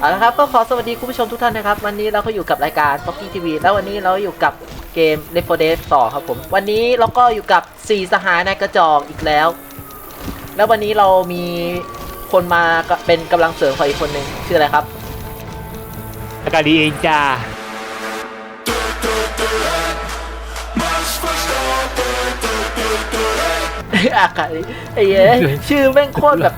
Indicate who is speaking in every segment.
Speaker 1: เอาละครับก็ขอสวัสดีคุณผู้ชมทุกท่านนะครับวันนี้เราก็อยู่กับรายการ Pocky TV แล้ววันนี้เราอยู่กับเกม Left 4 Dead ต่อครับผมวันนี้เราก็อยู่กับ4สหายในกระจอกอีกแล้วแล้ววันนี้เรามีคนมาเป็นกำลังเสริมของอีกคนหนึ่งชื่ออะไรครับ
Speaker 2: อากาศดีเองจ้า
Speaker 1: อากาศไอ้เหี้ยชื่อแม่งโคตรแบบ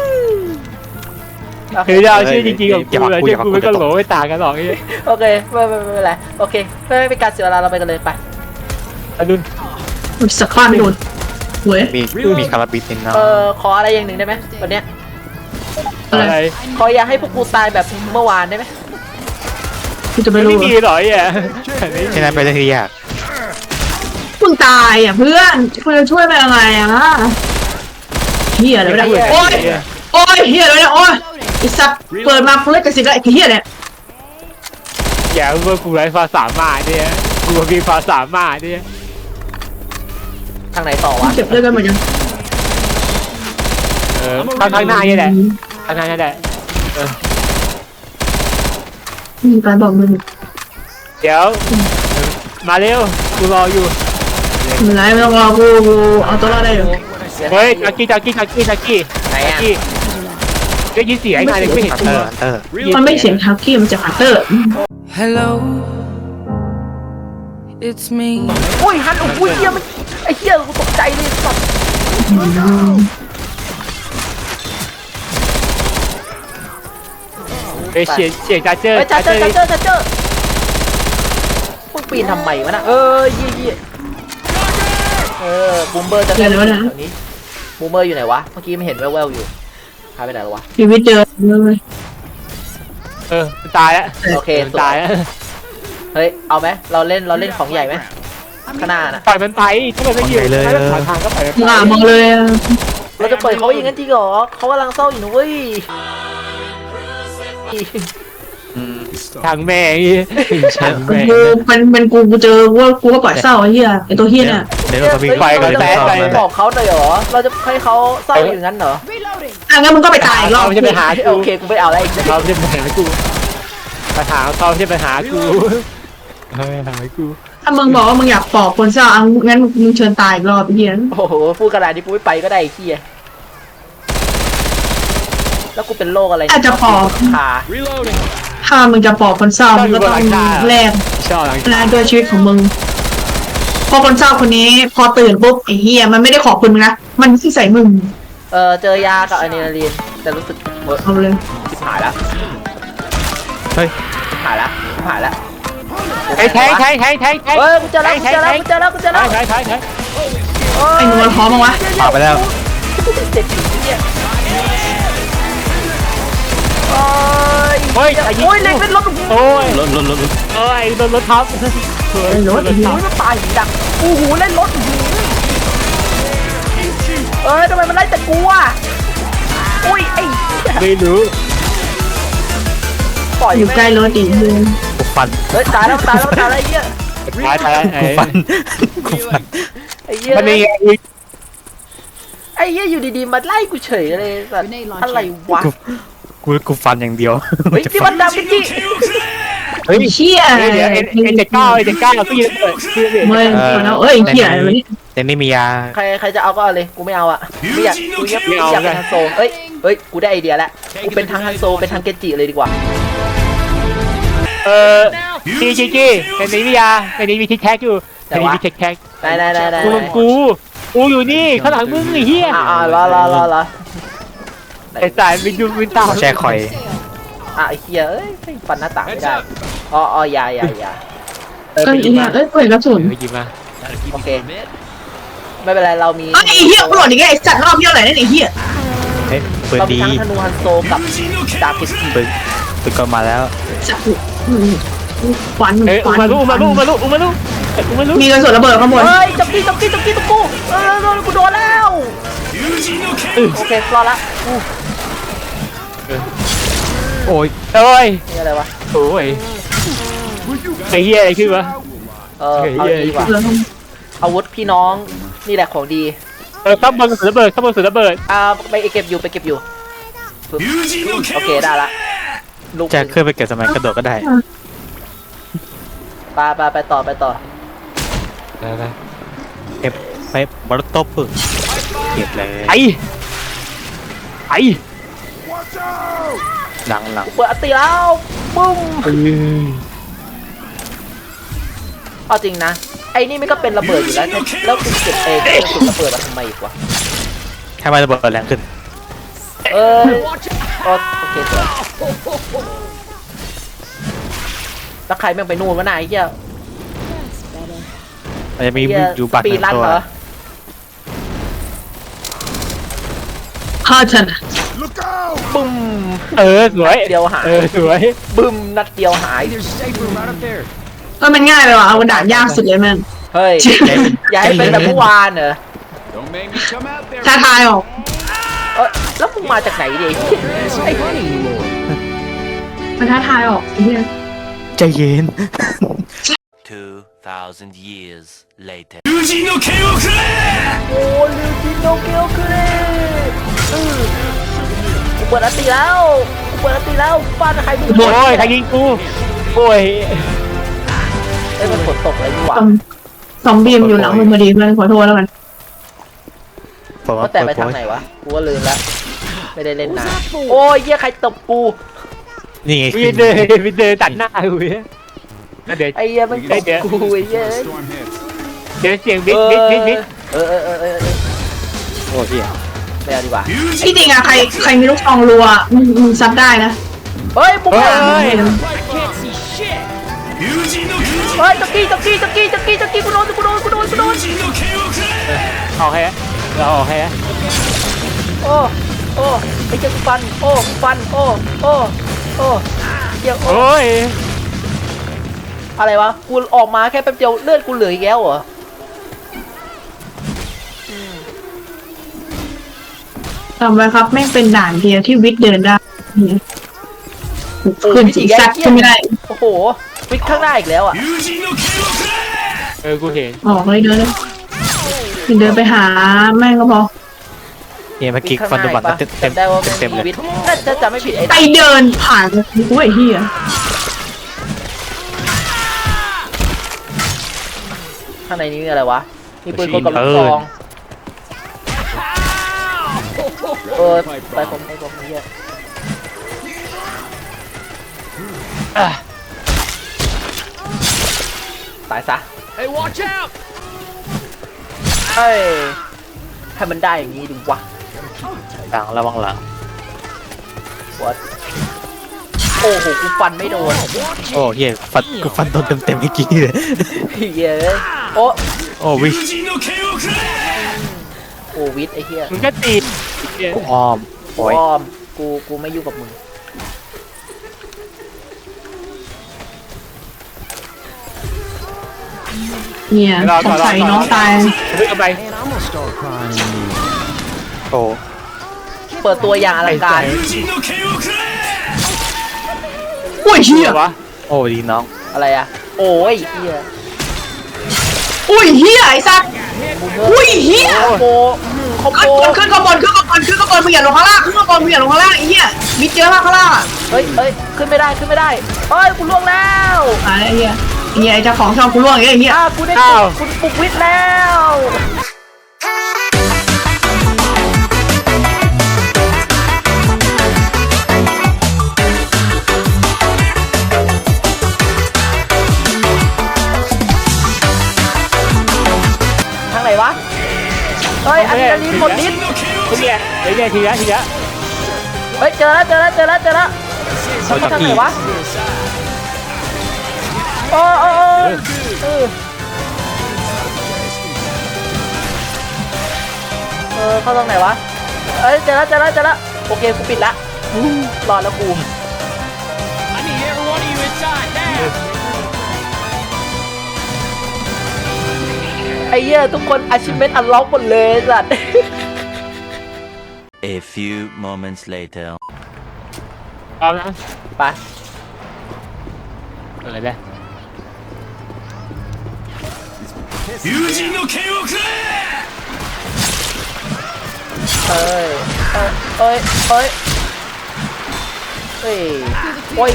Speaker 2: คือจะเอาชื่อจริงๆของกูเลยชื่อกูไม่ก็โหลไม่ต่างกันหรอกไอ้
Speaker 1: โอเคไม่เป็นไรโอเคไม่เป็นการเสียเวลาเราไปกันเลยไป
Speaker 2: อดุล
Speaker 3: สักข้าไม่โดนเว้ย
Speaker 4: มีคาราบินนะ
Speaker 1: ขออะไรอย่างหนึ่งได้ไหมวันเนี้ย
Speaker 2: อะไร
Speaker 1: ขออย่าให้พวกกูตายแบบเมื่อวานได้ไหม
Speaker 3: กูจะไม่
Speaker 2: ไม่
Speaker 3: รู้
Speaker 2: มีหรอไอ่ะ
Speaker 4: ฉะนั้นเป็นเรื่องที่ยาก
Speaker 3: มึงตายอ่ะเพื่อนคุณจะช่วยไปยังไงอ่ะเฮียอะไรไม่ได้โอ้ยโอ้ยเฮียอะไรเนี่ยโอ้ยไอ้สัตว์เปิดมาเล่นกับสิแล้วไอ้เฮียเนี่ย
Speaker 2: อย่าเพิ่งกูไร้ภาษามาเนี่ยกูมีภาษามาเนี่ย
Speaker 1: ทางไหนต่อวะ
Speaker 3: เก็บเลือดกันหมดยัง
Speaker 2: ข้างหน้านี่แหละข้างหน้านี่แหละ
Speaker 3: มีการบอกมึง
Speaker 2: เดี๋ยวมาเร็วกูรออยู่
Speaker 3: ไม่ไรไม่ต้องรอกูเอาตัวรอดได้อยู่
Speaker 2: เฮ้ยจักกี้
Speaker 1: ไหนอ่ะ
Speaker 2: ได้ยินเสียงไงไม่เห็น
Speaker 4: ฮันเตอร์ฮันเตอร์
Speaker 3: มันไม่เสียงทักกี้มันจะฮัตเตอร์
Speaker 5: Hello, it's me.
Speaker 1: โอ้ยฮันโอ้ยเฮียมันไอ้เฮียกูตกใจเลยสัตว์
Speaker 2: เสียงจ้าเจอ
Speaker 1: เฮ้ยจ้าเจอพวกปีนทำไมวะน่ะยี่บูมเบอร์จะแถวนี้บูมเบอร์อยู่ไหนวะเมื่อกี้ไม่เห็นแว่วๆอยู่หายไปไหนแล้ววะ
Speaker 3: ชีวิตเจอเลย
Speaker 2: ตายแล้ว
Speaker 1: โอเค
Speaker 2: ตายแล้ว
Speaker 1: เฮ้ยเอาไหมเราเล่นของใหญ่ไหมข้างหน้าน่ะ
Speaker 2: ปล่อยมันไปถ้ามันไม่ยืนถ้ามันผ่านทางก็ปล่อยมัน
Speaker 3: หน้ามองเลย
Speaker 1: เราจะปล่อยเขาไว้อย่างนั้นจริงเหรอเขากำลังเศร้าอยู่นะเว้ย
Speaker 2: ทางแม่ทางแม่
Speaker 3: กูเป็นกูเจอว่ากูก็ปล่อยเศร้าไอ้เหี้ยไอ้ตัวเหี้ยเนี่ย
Speaker 4: เดี๋ยวเรามี
Speaker 1: เราจะบอกเขาเลยเหรอเราจะให้เขาเศร้าอย่างนั้นเหรอ
Speaker 3: อ่ะงั้นมึงก็ไปตายอีกรอบ
Speaker 2: เขาจะไปหา
Speaker 1: โอเคกูไม่เอาแล้วอีก
Speaker 2: เขาจะไปหากูปัญหาเขาจะไปหากูหากู
Speaker 3: ถ้ามึงบอกว่ามึงอยากปอบคนเศร้าอ่ะงั้นมึงเชิญตายอีกรอบไอ้เหี้ย
Speaker 1: โอ้โหพูดขนาดนี้กูไม่ไปก็ได้ไอ้เหี้ยแล้วกูเป็นโรคอะไรขา
Speaker 3: ถ้ามึงจะปอบคนเศร้ามึงก็ต้องแลก
Speaker 2: ชอบหลัง
Speaker 3: นะด้วยชีวิตของมึงพอคนเศร้าคนนี้พอตื่นปุ๊บไอ้เฮียมันไม่ได้ขอบคุณมึงนะมันที่ใส่มึง
Speaker 1: เจอยากับอะดรีนาลีนแต่รู้สึก
Speaker 3: เอาเลย
Speaker 1: ชิบหายแล้ว
Speaker 4: เฮ้ย
Speaker 1: ชิบหายแล้ว
Speaker 2: แทง
Speaker 1: เฮ้ยกูเจอแล้ว
Speaker 2: ใช้
Speaker 3: ไอ้หนูมันพร้อมมั้งวะ
Speaker 4: ผ่านไปแล้ว
Speaker 1: เจ็บผีเนี่ยโอ้ยเล็กเป็นรถ
Speaker 2: โอ้ย
Speaker 4: รถ
Speaker 2: โอ้ยรถทับ
Speaker 3: ไอ้รถไอ้เหี้ย
Speaker 1: มันตายหินดักโอ้โหเล่นรถทำไมมันไล่แต่กูอ่ะอุ้ยไอ้
Speaker 2: ไม่รู้
Speaker 1: ปล่อย
Speaker 3: อยู่ใกล้รถอีกเลย
Speaker 4: กูฟัน
Speaker 1: เฮ้ยตายแล้วไอ้เหี้ย
Speaker 2: ตาย
Speaker 4: กูฟันกูฟัน
Speaker 1: ไอ้เหี้ย
Speaker 2: มันนี่
Speaker 1: ไอ้เหี้ยอยู่ดีๆมาไล่กูเฉยเลยสัตว์อะไรวะ
Speaker 4: กูฟันอย่างเดียว
Speaker 1: เฮ้ยที่มันดำเป็นที่
Speaker 4: เฮ้ย
Speaker 3: เชี่ย
Speaker 2: เดี๋ยว79ก็ยืนเปิดคือเดี๋ยว
Speaker 3: เมื่อแล้วเอ้ยเหี้ยอะไรวะเนี่ย
Speaker 4: แต่ไม่มียา
Speaker 1: ใครจะเอาก็เอาเลยกูไม่เอาอ่ะไม่อยากเป็นฮันโซเฮ้ยกูได้ไอเดียแล้วกูเป็นทั้งฮันโซเป็นทั้งเกจิเลยดีกว่า
Speaker 2: จีเป็นนิวิยาเป็นนิวิทิกแท็กอยู่เป็นนิวิทิกแท็ก
Speaker 1: ได้
Speaker 2: กูอยู่นี่ข้างหลังมึงไอ้เหี้ย
Speaker 1: รอ
Speaker 2: ไอ้สายวินดูวินตา
Speaker 4: แช่คอย
Speaker 1: ไอ้เหี้ยเอ้ยฟันหน้าต่างไม่ได้อย่า
Speaker 3: ก็ไอ้เหี้ยเอ้ยเปิดกระสุน
Speaker 2: หยิบมา
Speaker 1: โอเคไม่เป็นไรเรามี
Speaker 3: ไอ้เหี้ยกูหลอดอีกไอ้สัตว์รอบเหี้ยอะไรเนี่ยไอ้เหี้ย
Speaker 4: เฮ้ยปืน
Speaker 1: เรามี
Speaker 4: ดี
Speaker 1: ทั้งธนูฮันโซกับดาบเกจิ
Speaker 4: ปืนก็มาแล้ว
Speaker 3: สัตว์ฟัน
Speaker 2: เอ้ยอุมาลุ
Speaker 3: มีกระสุนระเบิดข้างบน
Speaker 1: เฮ้ยจับกี้ตะกูกูโดนแล้วโอเครอละ
Speaker 4: โอ้ย
Speaker 2: โอ้ย
Speaker 1: นี่อะไรวะ
Speaker 2: โอ้ยไอ้เหี้ยอะไรขึ้นวะ
Speaker 1: เอาดีกว่าอาวุธพี่น้องนี่แหละของดี
Speaker 2: ข้างบนสุดระเบิดไปเก็บอยู่ โ
Speaker 1: โอเคได้ละลูก
Speaker 4: จะขึ้นไปเก็บสมัยกระโดดก็ได้
Speaker 1: ไปต่อ
Speaker 2: ไปไป
Speaker 4: เก็บไปบอลตบพึ่งเก็บเลย
Speaker 2: ไอ้ไอ้
Speaker 4: หลัง
Speaker 1: เปิดอัตติแล้วปุ้มเอาจริงนะไอ้นี่มันก็เป็นระเบิดอยู่แล้วแล้วกูเก็บเองกูระเบิดมาทำไมอีกวะ
Speaker 4: แค่มาระเบิดแรงขึ้น
Speaker 1: โอเคสวยแล้วใครแม่งไปนู่นวะนายไอ้เหี้ย
Speaker 4: มันจะมี
Speaker 1: เหี้ย
Speaker 4: อยู่บัตร
Speaker 1: ปี
Speaker 4: หนึ่ง
Speaker 1: รัน
Speaker 4: ตัว
Speaker 1: เหรอ
Speaker 3: ฆ่าฉัน
Speaker 1: บึ้ม
Speaker 2: สวย
Speaker 1: เดียวหาย
Speaker 2: สวย
Speaker 1: บึ้มนัดเดียวหาย
Speaker 3: มันง่ายไปว่ะเอาด่านยากสุดเลยแม่ง
Speaker 1: เฮ้ยอย่าให้เป็นแบบเมื่อวานเหรอ
Speaker 3: ท้าทายออก
Speaker 1: แล้วมึงมาจากไหนดิไอ้
Speaker 3: มันท้าทายออกไอ้เหี้ย
Speaker 4: ใจเย็น
Speaker 5: 2,000 years later.
Speaker 1: โอ้ลิวจิโนเกลคือกูเปิดอัตติแล้วฟาดใครมึง
Speaker 2: โอ้ยใครยิงกูโอ้ย
Speaker 1: เอ้ยมันฝนตกอะไรอยู่วะ
Speaker 3: ซอมบี้มันอยู่หลังมึงพอดีเพื่อนขอโทษแล้วกัน
Speaker 4: ผม
Speaker 1: ว่า
Speaker 4: ว่า
Speaker 1: แต่ไปทางไหนวะกูก็ลืมละไม่ได้เล่นนานโอ้ยเหี้ยใครตบกู
Speaker 4: นี่ไง
Speaker 2: วินเดินตัดหน้ากูเนี่ยเดี๋ยว
Speaker 1: ไอ้เหี้ยมันตบกูไอ้เหี้ย
Speaker 2: เดี๋ยวเสียงบิ๊ก
Speaker 1: เออ
Speaker 2: โอ้ย
Speaker 1: ไม่เอาดีกว่า
Speaker 3: ที่จริงอะใครมีลูกซองรัวมึงซัดได้นะ
Speaker 1: เฮ้ยบุกมา
Speaker 2: เฮ้ย
Speaker 1: เฮ้ยตะกี้กูโดน
Speaker 2: เอาให้เราเอาให้
Speaker 1: โอ้ไอ้เจ้าฟันโอ้เดี๋ยว
Speaker 2: โอ้ย
Speaker 1: อะไรวะกูออกมาแค่แป๊บเดียวเลือดกูเหลืออีกแล้วเหรอ
Speaker 3: จำไว้ครับแม่งเป็นด่านเดียวที่วิทย์เดินได้ขึ้นสีซัดขึ้นไม่ได้
Speaker 1: โอ้โหวิกข้างหน้าอีกแล้วอ่ะ
Speaker 2: กูเห็น
Speaker 3: ออกเลยเดินเลยเดินไปหาแม่งก็พอ
Speaker 4: เนี่ยเมื่อกี้ฟันโดนบัตรเต็ม
Speaker 1: ได้ว่า
Speaker 4: เต็มเลย
Speaker 1: วิทถ้าจะไม่ผิดไอ้
Speaker 3: ไปเดินผ่านอุ้ยเฮีย
Speaker 1: ข้างในนี้มีอะไรวะมีปืนกลกับลูกซองไปผมเฮียตายซะ
Speaker 5: Hey, watch out!
Speaker 1: เฮ้ยให้มันได้อย่างนี้ดูวะ
Speaker 4: หลังระวังหลัง
Speaker 1: วัดโอ้โหกูฟันไม่โดน
Speaker 4: โอ้เฮียฟันโดนเต็มเมื่อกี้เลย
Speaker 1: เฮียเอ้ยโอ้
Speaker 4: โอ้วิ
Speaker 1: โอ้วิทย์ไอ้เฮีย
Speaker 2: มึงก็ตี
Speaker 4: อ้อมโอ้ย
Speaker 1: อ้อมกูไม่ยุ่งกับมึง
Speaker 3: เนี่ยสงสัยน้องตาย
Speaker 2: เฮ้ยเอาไป
Speaker 4: โอ้
Speaker 1: เปิดตัวอย่างอลังการ
Speaker 3: อุ้ยเฮียว
Speaker 2: ะ
Speaker 4: โอ้ดีน้อง
Speaker 1: อะไรอะโอ้ยเฮีย
Speaker 3: อุ้ยเฮียไอ้สัตว์อุ้ยเฮีย
Speaker 1: คอมโบคอมโบ
Speaker 3: ขึ้นข้างบนมึงอย่าลงข้างล่างขึ้นข้างบนมึงอย่าลงข้างล่างไอ้เหี้ยมิดเจอมากข้างล่างอ่ะ
Speaker 1: เฮ้ยขึ้นไม่ได้เฮ้ยกูล่วงแล้ว
Speaker 3: ไอ้เหี้ยไอ้เจ้าของช่องกูล่วงไอ้เหี้ย
Speaker 1: กูได้กูปลุกวิทย์แล้วทางไหนวะเฮ้ยอันนี้หมดนิด
Speaker 2: เนี่ยทีละ
Speaker 1: เฮ้ยเจอแล้วเขาทางไหนวะโอ้เขาตรงไหนวะเอ้ยเจอแล้วโอเคกูปิดละรอดแล้วกู
Speaker 5: I need every one of you inside now!
Speaker 1: ไอ้เหี้ยทุกคน achievement unlock หมดเลยสัตว์
Speaker 5: A few moments later.
Speaker 2: พร้อมนะ
Speaker 1: ไป
Speaker 2: อะไรเนี่ย
Speaker 1: เอ้ยเฮ้ยโอ้ย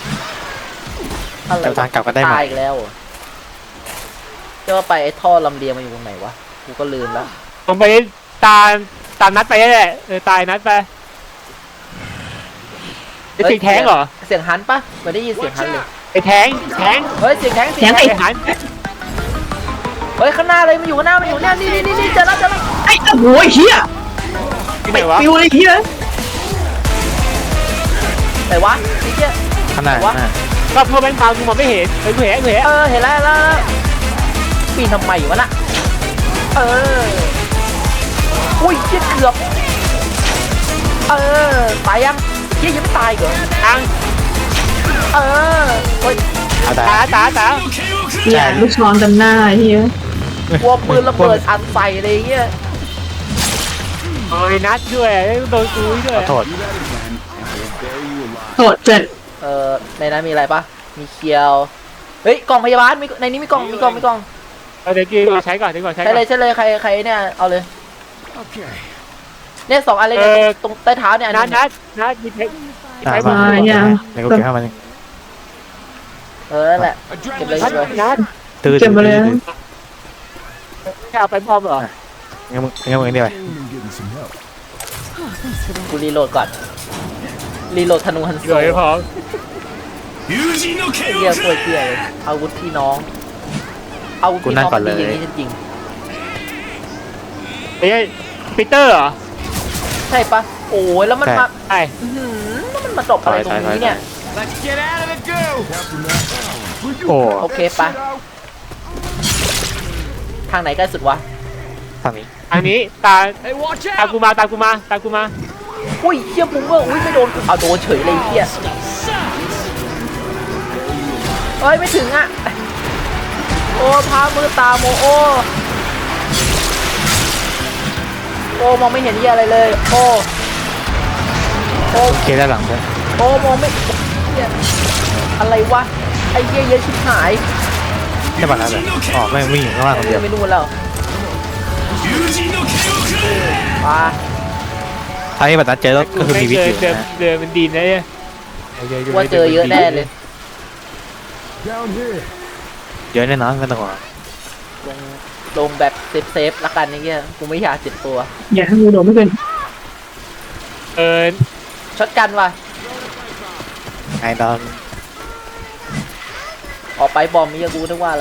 Speaker 1: อะไร
Speaker 4: เจ้าทางกลับกันได้ไหม
Speaker 1: ตายอีกแล้วเหรอจะว่าไปไอ้ท่อลำเลียงมันอยู่ตรงไหนวะกูก็ลืมแล้ว
Speaker 2: ผมไปตามนัดไปแหละตายนัดไปไอ้เสียงแทงเหรอ
Speaker 1: เสียงฮันปะไม่ได้ยินเสียงฮันเลย
Speaker 2: ไอ้แทง
Speaker 1: เฮ้ยเสียงแทง
Speaker 3: เสียง
Speaker 1: แท
Speaker 3: ไอ้
Speaker 2: ไอ้หัน
Speaker 1: เฮ้ยข้างหน้าเลยมันอยู่ข้างหน้ามันอยู่เนี่ยนี่เจอแล้ว
Speaker 3: ไอ้โอ้โหเฮีย
Speaker 2: ที่ไหนวะ
Speaker 3: ปิวเลยเฮีย
Speaker 1: ไหนวะไอ้เหี้ย
Speaker 4: ข้างหน้า
Speaker 1: วะ
Speaker 2: ก็เพื่อแบงค์พาวกูมองไม่เห็นกูเห็น
Speaker 1: เห็นแล้วปีนทำไมวะน่ะอุ้ยเหี้ยเกือบตายยังเหี้ยยังไม่ตายเหรอ
Speaker 2: อัง
Speaker 1: เฮ้ย
Speaker 4: เอาแต่
Speaker 2: ตา
Speaker 3: เฮียลูกช้อนเต็มหน้าเฮีย
Speaker 1: กลัวปืนระเบิดอัดใส่อะไรเงี้ย
Speaker 2: โอ้ยนัดด้วยโดนกูด้วย
Speaker 4: ขอโทษ
Speaker 3: โทษเจ็ด
Speaker 1: ในนั้นมีอะไรปะมีเคียวเฮ้ยกล่องพยาบาลมีในนี้มีกล่อง
Speaker 2: เดี๋ยวกี้ใช้ก่อนใช้
Speaker 1: ใช่เลยใครเนี่ยเอาเลย
Speaker 5: Okay.
Speaker 1: เนี่ย2 อันเลยเนี่ยตรงใต้เท้าเนี่ยอัน
Speaker 2: นั
Speaker 1: นึ
Speaker 2: ด
Speaker 1: ง
Speaker 2: มีเพชร
Speaker 4: ตา
Speaker 2: ใช้
Speaker 4: ย
Speaker 2: มา
Speaker 4: มาในกูเก็บให้มัน
Speaker 1: นั่นแหละเก็บเลย
Speaker 2: นัด
Speaker 4: ตื้อ
Speaker 3: เก็บมาเลย
Speaker 2: เอาไปพร้อมเหรอ
Speaker 4: งั้นมึงเดียวไป
Speaker 1: กูรีโหลดก่อนรีโหลดธนูฮันโซ
Speaker 2: เดี๋ยวพร้อม
Speaker 1: เกียร์ป่วยเกียร์เลยอาวุธพี่น้องอาวุธพี่น้องมันดีอย่างนี้จริง
Speaker 2: ไอ้ปีเตอร์เหรอ
Speaker 1: ใช่ปะโอ้ยแล้วมันมา
Speaker 2: ใช่
Speaker 1: แล้วมันมาจบอะไรตรงนี้เนี่ย
Speaker 5: Let's get out of the goo.
Speaker 4: โอ้
Speaker 1: โอเคปะทางไหนใกล้สุดวะ
Speaker 4: ทางนี้
Speaker 2: อันนี้ตาม
Speaker 5: Hey, watch
Speaker 2: ตาม
Speaker 5: out.
Speaker 2: กูมา
Speaker 1: อุ้ยเฮียบุ้งเว้ยอุ้ยไม่โดนเอาโดนเฉยเลยเฮียเอ้ยไม่ถึงอ่ะโอ้พามือตาโมโอมองไม่เห็นเฮียอะไรเลยโอ้
Speaker 4: เคด้านหลังด้วย
Speaker 1: มองไม่เฮียอะไรวะไอ้เฮียเยอะชิบหาย
Speaker 4: ได้ป่ะนะเลยอ๋อไม่วิ่งอยู่ข้างล่างคนเดียว
Speaker 1: ไม่รู้แล้วปา
Speaker 4: ถ้าที่แบบนั้นเจอก็คือมีวิธีนะ
Speaker 2: เรือมันดีนะเนี่ย
Speaker 1: ว่าเจอเยอะแน่เลย
Speaker 5: Down here.
Speaker 4: เยอะแน่นอนไม่ต้องห่วง
Speaker 1: ลงแบบเซฟละกันนี่เงี้ยกูไม่อยากเจ็บตัว
Speaker 3: อย่าให้กูโดนไม่เป็น
Speaker 1: ช็อตกันว่ะ
Speaker 4: ไอ้ดอน
Speaker 1: ออกไปบอมมีกูนึกว่าอะไร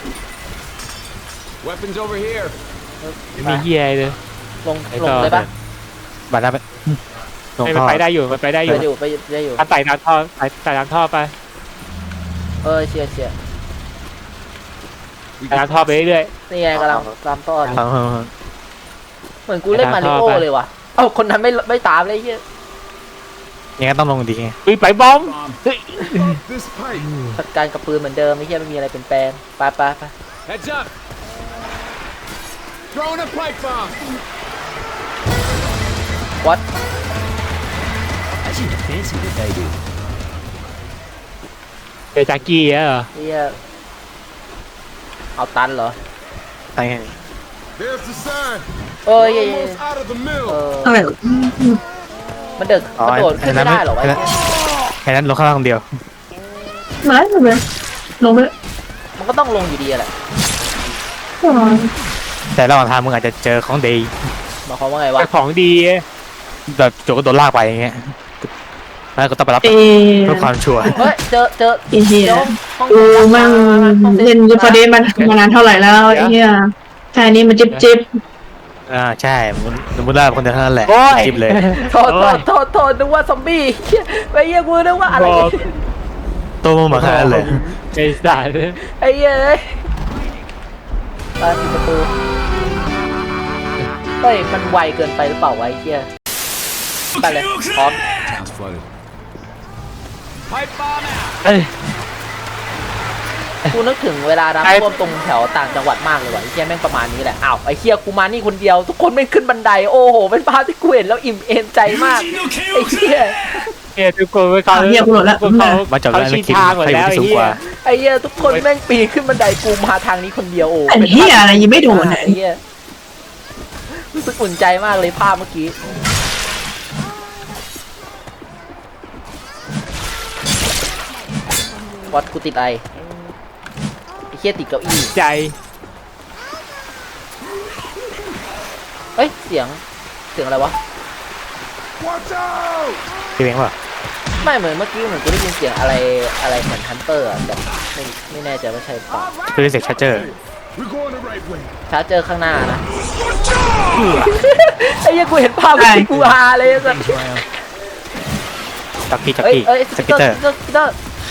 Speaker 5: Weapons over here.
Speaker 2: มีเฮียเลย
Speaker 1: ลงเลยปะ
Speaker 4: บัตรได้ไปลง
Speaker 2: มัน
Speaker 4: ท่อ
Speaker 2: ไปได้อยู่มันไปได้อ
Speaker 1: ไป
Speaker 2: ยู่
Speaker 1: อยู่
Speaker 2: ไต่น้ำท่อไต่น้ำท่อไป
Speaker 1: เชียร์
Speaker 2: ไต่น้ำท่อไปเรื่อย
Speaker 1: นี่ไงกำลังตามต้อน
Speaker 4: ทาง
Speaker 1: เหมือนกูเล่นมาริโอเลยว่ะเอ้าคนนั้นไม่ตามเลยเฮีย
Speaker 4: ยังไงต้องลงดีไง
Speaker 2: ๆไปบอม
Speaker 5: This pipe.
Speaker 1: จัดการกับปืนเหมือนเดิมไม่เฮียไม่มีอะไรเปลี่ยนแปลงไป
Speaker 5: Heads up. Throwing a pipe bomb.
Speaker 1: วัด
Speaker 2: เจอจากกี้เหรอ
Speaker 1: เฮียเอาตันเหรอ
Speaker 4: ใช่ไง
Speaker 5: There's the sign.
Speaker 1: เอ้ย
Speaker 5: Almost out of the mill.
Speaker 3: อะไร
Speaker 1: มันกระโดดขึ้นไม่ได้หรอวะ
Speaker 4: แค่นั้นลงข้างล่างคนเดียว
Speaker 3: ไม่เลยลงไป
Speaker 1: มันก็ต้องลงอยู่ดีแหละ
Speaker 4: แต่ระหว่างทางมึงอาจจะเจอของดี
Speaker 1: หมายความว่าไงวะ
Speaker 2: ของดี
Speaker 4: แบบโจก็โดนลากไปอย่างเงี้ยแล้วก็ต้องไปรับ
Speaker 3: เอ
Speaker 4: เพื่อความชัวร์
Speaker 1: เฮ้ยเจอ
Speaker 3: ไอ้เฮีย
Speaker 1: ห้อง
Speaker 3: กูมั่งเล่นยูฟอเดนมานานเท่าไหร่แล้วไอ้เฮียแค่นี้มันจิบ
Speaker 4: ใช่มึงได้คนเดียวเท่านั้นแหละจิบเลย
Speaker 1: โทษนึกว่าซอมบี้ไอ้เหี้ยกูนึกว่าอะไร
Speaker 4: ตัวมึงมาขนาดนั้นเลย
Speaker 2: ไอ้สัตว์
Speaker 1: ไอ้เหี้ยปิดประตูเฮ้ยมันไวเกินไปหรือเปล่าวะไอ้เหี้ยไปเลยพร้อม
Speaker 5: Town's flooded. Pipe bomb out.
Speaker 2: เอ้ย
Speaker 1: กูนึกถึงเวลาน้ำท่วมตรงแถวต่างจังหวัดมากเลยว่ะไอ้เหี้ยแม่งประมาณนี้แหละอ้าวไอ้เหี้ยกูมานี่คนเดียวทุกคนแม่งขึ้นบันไดโอ้โหเป็นภาพที่กูเห็นแล้วอิ่มเอมใจมากไอ้เหี้ย
Speaker 2: ทุกคนเขาชี้ทางหมดแล้วไอ้เหี้ย
Speaker 1: ไอ้เหี้ยทุกคนแม่งปีนขึ้นบันไดกูมาทางนี้คนเดียวโอ้
Speaker 3: ไอ้เฮียอะไรยังไม่โดน
Speaker 1: ไอ้เหี้ยรู้สึกอุ่นใจมากเลยภาพเมื่อกี้อสกูติดอะไรไอ้เหี้ยติดเก้าอี้
Speaker 2: ใจ
Speaker 1: เอ้ยเสียงอะไรวะ
Speaker 4: พี่เม้งป่ะ
Speaker 1: ไม่เหมือนเมื่อกี้เหมือนกูได้ยินเสียงอะไรเหมือนฮันเตอร์อะแต่ไม่แน่ใจว่าใช่เปล่า
Speaker 4: คือเสียงชาร์เจอร์
Speaker 1: ชาร์จเจอข้างหน้านะไอ้เหี้ยกูเห็นภาพที่กูฮาเลยสัส
Speaker 4: จักกี้
Speaker 1: เอ้ย
Speaker 4: สกิตเตอร์
Speaker 1: สกิตเตอร์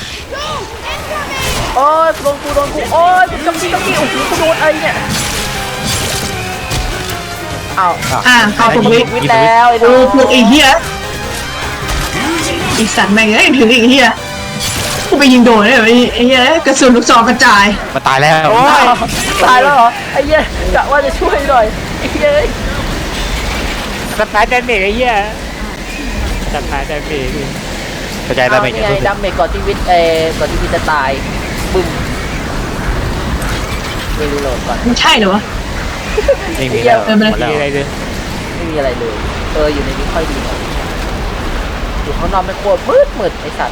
Speaker 1: โอ้ยโดนกูโอ้ยจับกี้โอ้โหกูโดนไอ้เนี่ยเอา
Speaker 3: เข้า
Speaker 1: ไอ้
Speaker 3: ถูก
Speaker 1: วิ
Speaker 3: วิ
Speaker 1: ทย์แล้วไอ้น้
Speaker 3: ดู
Speaker 1: อง
Speaker 3: พวกไอ้เหี้ยอีสัตว์แม่งเอ้ยถึงไอ้เหี้ยกูไปยิงโดนเลยไอ้เหี้ยกระสุนลูกซองกระจาย
Speaker 4: มาตายแล้ว
Speaker 1: โอ้ยตายแล้วเหรอไอ้เหี้ยกะว่าจะช่วยหน่อยไอ้เหี้ย
Speaker 2: สปายดาเมจไอ้เหี้ยสปายดาเมจ
Speaker 4: กระจาย
Speaker 1: เอา
Speaker 4: ดาเมจ
Speaker 1: นี่
Speaker 4: กัน
Speaker 1: ไง
Speaker 4: ทุก
Speaker 1: ดาเมจก่อนที่วิทย์ก่อนที่วิทย์จะตายบึ้มไปรีโหลดก่อน
Speaker 3: มันใช่เหรอวะ
Speaker 4: ไม่มีแล้วหมดแล้ว
Speaker 2: มีอะไรเลย
Speaker 1: ไม่มีอะไรเลยอยู่ในนี้ค่อยดีหน่อยอยู่ข้างนอกไม่โคตรมืดไอ้สัตว์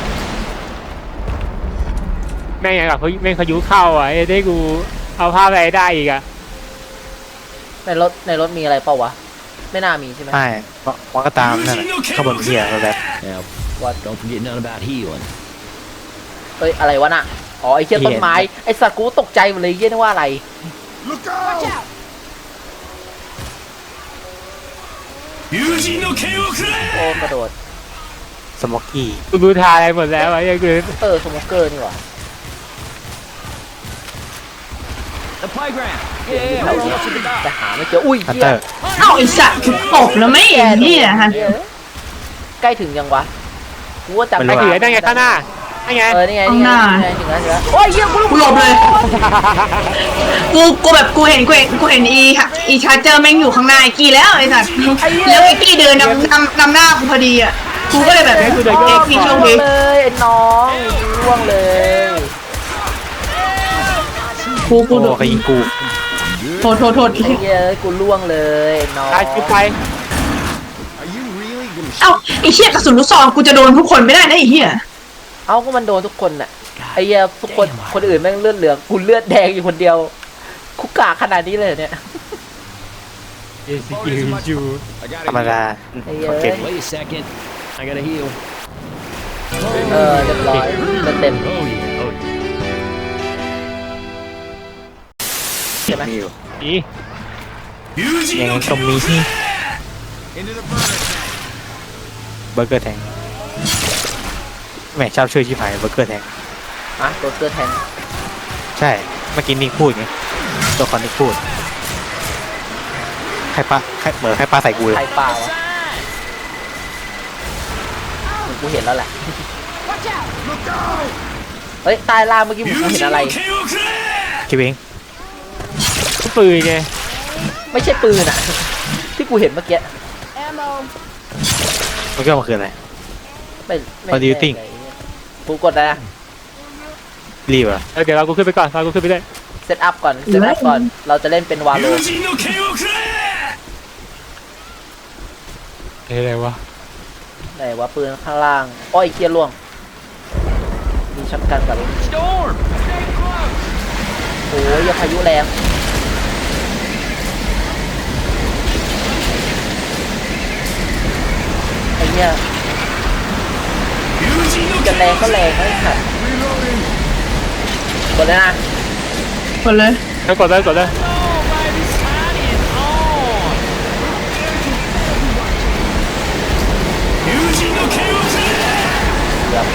Speaker 2: แม่งอย่างกับเขาแม่งเขายุเข้าอ่ะไอ้ได้กูเอาภาพอะไรได้อีกอ่ะ
Speaker 1: ในรถมีอะไรเปล่าวะไม่น่ามีใช่ไหม
Speaker 4: ใช่มันก็ตามนั่นแหละข้างบนเหี้ยแบบ
Speaker 5: Now,
Speaker 1: วัด
Speaker 5: don't forget nothing about healing.
Speaker 1: เอ้ยอะไรวะน่ะอ๋อไอ้เชี่ยต้นไม้ไอ้สัตว์กูตกใจหมดเลยเยี่ยนึกว่าอะไร โอ้กระโดด
Speaker 4: สโมกกี้
Speaker 2: กูรู้ทาอะไรหมดแล้วไอ้เหี้ยกู
Speaker 1: สโมเกอร์นี่หว่า
Speaker 5: The playground. Yeah, hold on to the dock.
Speaker 1: แต่หาไม่เจออุ้ย
Speaker 4: ฮัน
Speaker 1: เหี้
Speaker 4: เต
Speaker 1: ย
Speaker 4: อร์
Speaker 3: เอ้าไอ้สัตว์กูตกแล้วไม่ไอ้เหี้ยฮะ
Speaker 1: ใกล้ถึงยังวะกูว่าจำ
Speaker 2: ไอ้ถือนั่นไงข้างหน้านั่นไง
Speaker 1: นี่ไงถึงแล้วถึงแล้วโอ้ยเหี้ย
Speaker 3: กูหลบเลยกูแบบกูเห็นอีชาร์เจอร์แม่งอยู่ข้างหน้าไอ้กี้แล้วไอ้สัตว์แล้วไอ้กี้เดินนำหน้ากูพอดีอ่ะกูก็เลยแบบกี้โชคดี
Speaker 1: เลยไอ้น้องร่วงเลย
Speaker 3: กู
Speaker 4: โอ้ใครยิงกู
Speaker 3: โทษ
Speaker 1: ไอ้เหี้ยกูร่วงเลยน้อง
Speaker 2: ตายคือไป
Speaker 3: เอ้าไอ้เหี้ยกระสุนลูกซองกูจะโดนทุกคนไม่ได้นะไอ้เหี้ย
Speaker 1: เอ้าก็มันโดนทุกคนน่ะไอ้เหี้ยทุกคนอื่นแม่งเลือดเหลืองกูเลือดแดงอยู่คนเดียวคุกกาขนาดนี้เลยเนี่ย
Speaker 2: เอสกิลยู
Speaker 5: I
Speaker 4: ธรรม
Speaker 5: gotta
Speaker 4: ดา
Speaker 1: Hey,
Speaker 4: โอเค
Speaker 5: heal. Wait a second. I gotta heal.
Speaker 1: เรียบร้อยเต็ม
Speaker 5: Oh yeah. Oh yeah.
Speaker 1: ใช่ไหม
Speaker 2: นี่
Speaker 4: ยังต้องมีเบอร์เกอร์แทงแหมชอบชื่อชิบหายเบอร์เกอร์แทง
Speaker 1: อ่ะโรเกอร์แทง
Speaker 4: ใช่เมื่อกี้นิกพูดไงตัวคอนนิกพูดใครปะเหมือนใครปะใส่กูเลย
Speaker 1: ใครเปล่าวะเหมือนกูเห็นแล้วแหละเฮ้ยใต้ล่างเมื่อกี้ผมเห็นอะไร
Speaker 4: คิดเอง
Speaker 2: ปืนไง
Speaker 1: ไม่ใช่ปืนอ่ะ ที่กูเห็นเมื่อกี้
Speaker 4: มันก็มันคืออะไร
Speaker 1: ไม่
Speaker 4: What do you think?
Speaker 1: กูกดอะไรนะ
Speaker 4: รีบอ่ะ
Speaker 2: เดี๋ยวเรากูขึ้นไปก่อนเรากูขึ้นไปด้วย
Speaker 1: เซตอัพก่อนเราจะเล่นเป็นวาโล
Speaker 2: อะไรวะ
Speaker 1: ไหนวะปืนข้างล่างอ้อยเคียร์ล่วงมีช็อตกันกับ
Speaker 5: Storm.
Speaker 1: โอ้ยพายุแรงไอ้เนี่ยจะแรงก็แรงไม่ขัดกดเลยนะ
Speaker 3: หมดเลย
Speaker 2: แล้วกดเลยกดเลย
Speaker 1: ครับ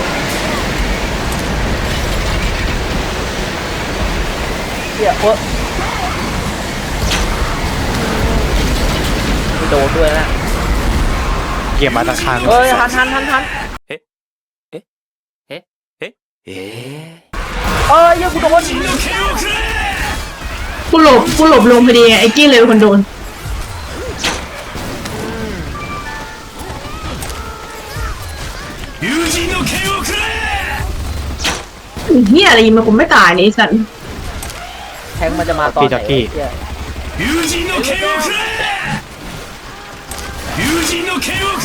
Speaker 1: เดี๋ยวไม่โดนด้วยนะ
Speaker 4: เกี่ยมมาตั้งข้าง
Speaker 1: เฮ้ยหันเอ้ยยังกูโดน
Speaker 3: กูหลบลงพอดีไอ้กี้เลยเป็นคนโดนเหี้ยอะไรยิงมันกูไม่ตายเลยไอ้สัตว์
Speaker 1: แทงมันจะมาตอนไหนเนี่ย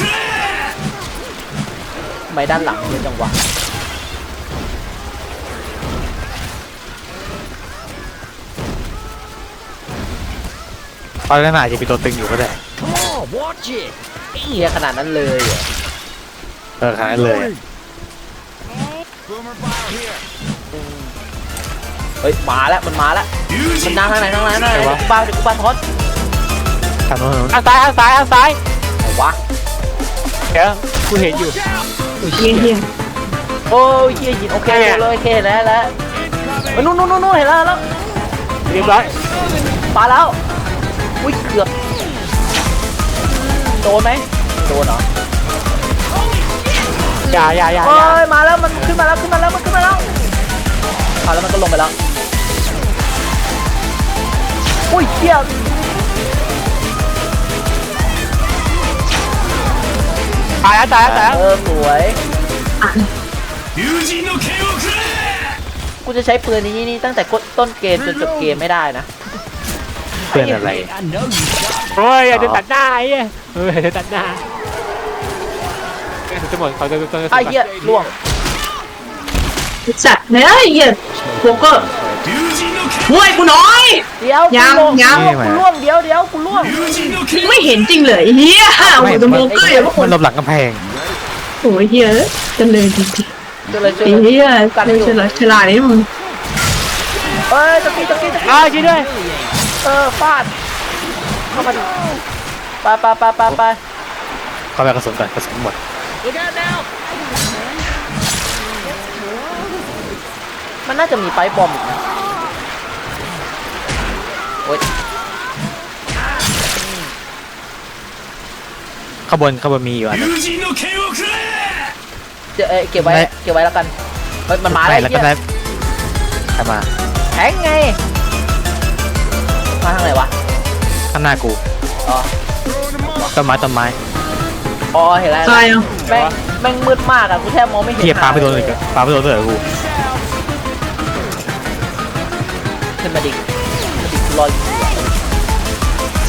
Speaker 1: ทำไมด้านหลังเยอะจังวะ
Speaker 4: ราะฉะนั้นอาจจะมีตัวตึงอยู่ก็ได้
Speaker 5: Come on, watch it.
Speaker 1: เฮียขนาดนั้นเลยเหรอ
Speaker 4: ขนาดนั้นเลย
Speaker 5: Boomer file here.
Speaker 1: เฮ้ยมาแล้วมันมาแล้วมันนั่งทางไหนเดี๋ยวกูบ้าทอด
Speaker 4: ทางโน้น
Speaker 2: ทางซ้ายทางซ้ายทางซ้าย
Speaker 1: ไหนวะ
Speaker 2: เดี๋ยวกูเห็นอยู่
Speaker 3: โอ้ยเฮียเฮีย
Speaker 1: โอ้ยเฮียหินโอเคเลยโอเคแล้วนู่นเห็นแล้ว
Speaker 2: เรียบร้อย
Speaker 1: ปาแล้วอุ้ยเกือบโดนไหมโดนเหรอ
Speaker 2: อย่า
Speaker 1: เฮ้ยมาแล้วมันขึ้นมาแล้วมาแล้วมันก็ลงไปแล้วอุ้ยเฮีย
Speaker 2: ตายแล้ว
Speaker 1: สวย
Speaker 3: อ่ะ
Speaker 1: กูจะใช้ปืนนี้ตั้งแต่ต้นเกมจนจบเกมไม่ได้นะ
Speaker 4: เพื่อนอะไร
Speaker 5: I know you shot.
Speaker 2: โอ้ยอย่าจะตัดหน้าไอ้เฮ้ยจะตัดหน้าจะหมดเขาจะ
Speaker 1: ไอ้เหี้ยล่วง
Speaker 3: จัดเนี่ยเฮียโบเกอร์ช่วยกูหน่อย
Speaker 1: เดี๋ยว
Speaker 3: ยัง
Speaker 1: กูล่วงเดี๋ยวกูล่วง
Speaker 3: มึงไม่เห็นจริงเลยเฮียโอ้โหตัวโบเกอร์อย่างพวกค
Speaker 4: มัน
Speaker 3: น
Speaker 4: หลบหลังกำแพง
Speaker 3: โอ้ยเฮียจะเลยจริง
Speaker 1: ช่วยเลย
Speaker 3: ๆไอ้เฮียฉลาดนี่มึง
Speaker 1: เอ้ยตะกี้
Speaker 2: อ้าวช่วยด้วย
Speaker 1: ฟาดเข้ามาดิไป
Speaker 4: เข้าไปกระสุนก่อนกระสุนหมด
Speaker 5: Look out now.
Speaker 1: มันน่าจะมีไฟบอมอีกนะโอ๊ย
Speaker 4: ข้างบนมีอยู่อันนึง
Speaker 1: เก็บไว้แล้วกันเฮ้ยมันมา
Speaker 4: ไม่
Speaker 1: แล้ว
Speaker 4: แล้วก็
Speaker 1: เหี้
Speaker 4: ได้
Speaker 1: ย
Speaker 4: ใครมา
Speaker 1: แทงไงมาทางไหนวะ
Speaker 4: ข้างหน้ากู
Speaker 1: อ๋อ
Speaker 4: ต้นไม้
Speaker 1: เห็นแล้ว
Speaker 3: ตายอ่ะ
Speaker 1: แม่งมืดมากอะกูแทบมองไม่เห็น
Speaker 4: เทียปลาไม่โดนเลยปลาไม่โดนเลยกู
Speaker 1: ขึ้นมาดิรออยู่
Speaker 4: เซ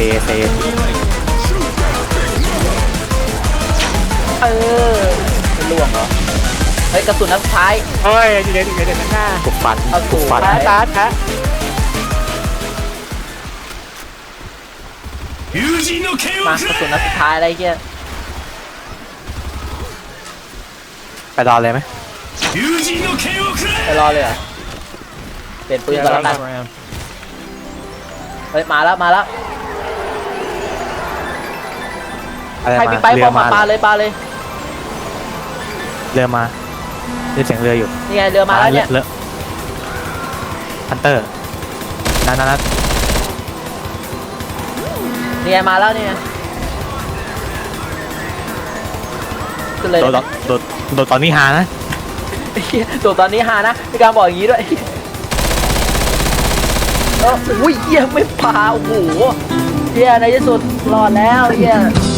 Speaker 1: ไม่ล่วงเหรอเฮ้ยกระสุนนัดสุดท้าย
Speaker 2: โอ้ยเดี๋ยวตัดหน้า
Speaker 4: ปลุกฟัน
Speaker 1: เอา
Speaker 4: ปลุกฟัน
Speaker 2: ตา
Speaker 1: มากระสุนนัดสุดท้ายอะไรเงี้ย
Speaker 4: ไปรอเลยไหม
Speaker 1: ไปรอเลยเหรอเปลี่ยนปืนก่อนแล้วกันเฮ้ยมาแล้ว
Speaker 4: อะไร
Speaker 1: ใครมี
Speaker 4: มา
Speaker 1: ไปบ
Speaker 4: เรือ
Speaker 1: อม
Speaker 4: มา
Speaker 1: มาปาเลย
Speaker 4: เรือมาได้เสียงเรืออยู่
Speaker 1: นี่ไงเรือมาแล้วเนี่ย
Speaker 4: เรือฮันเตอร์นั่น
Speaker 1: นี่ไงมาแล้วเนี่ยขึ้นเลย
Speaker 4: โดดตอนนี้หานะ
Speaker 1: ตัวตอนนี้ฮานะมีการบอกอย่างนี้ด้วยอุ้ยเหี้ยไม่พาโอ้โหเหี้ยในที่สุดรอดแล้วเหี้ย